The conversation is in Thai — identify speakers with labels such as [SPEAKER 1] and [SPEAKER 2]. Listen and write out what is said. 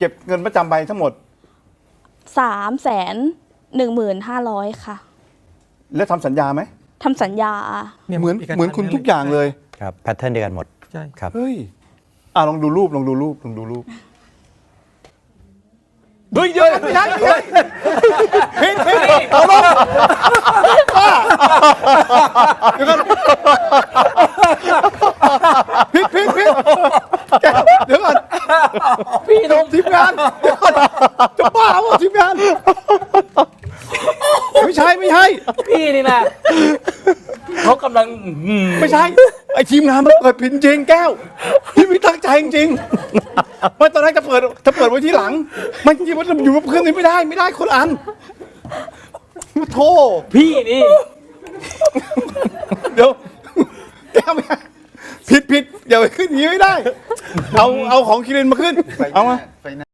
[SPEAKER 1] เก็บเงินประจำไปทั้งหมด
[SPEAKER 2] 315,000ค่ะ
[SPEAKER 1] แล้วทำสัญญาไหม
[SPEAKER 2] ทำสัญญา
[SPEAKER 1] เหมือนคุณทุกอย่างเลย
[SPEAKER 3] ครับแพทเทิร์นเดียวกันหมด
[SPEAKER 4] ใช่
[SPEAKER 3] ครับ
[SPEAKER 1] เฮ้ยลองดูรูปเฮ้ยเยอะไม่ใช่ผิดเอาลงเดี๋ยวก่อนผิดเดี๋ยวก่อนพี่ทีมงานจะบ้าเปล่าทีมงานไม่ใช่
[SPEAKER 4] พี่นี่นะเขากำลัง
[SPEAKER 1] ไม่ใช่ไอ้ทีมงานมันเปิดผิดจริงแก้วพี่ไม่ตั้งใจจริงๆไม่ตอนแรกจะเปิดไว้ที่หลังมันจริงๆมันอยู่กับเพื่อนนี่ไม่ได้คนละอันโธ่
[SPEAKER 4] พี่นี่
[SPEAKER 1] เดี๋ยวแก้วไม่ผิดอย่าไปขึ้นอย่างนี้ไม่ได้เอาของคิรินมาขึ้นเอามา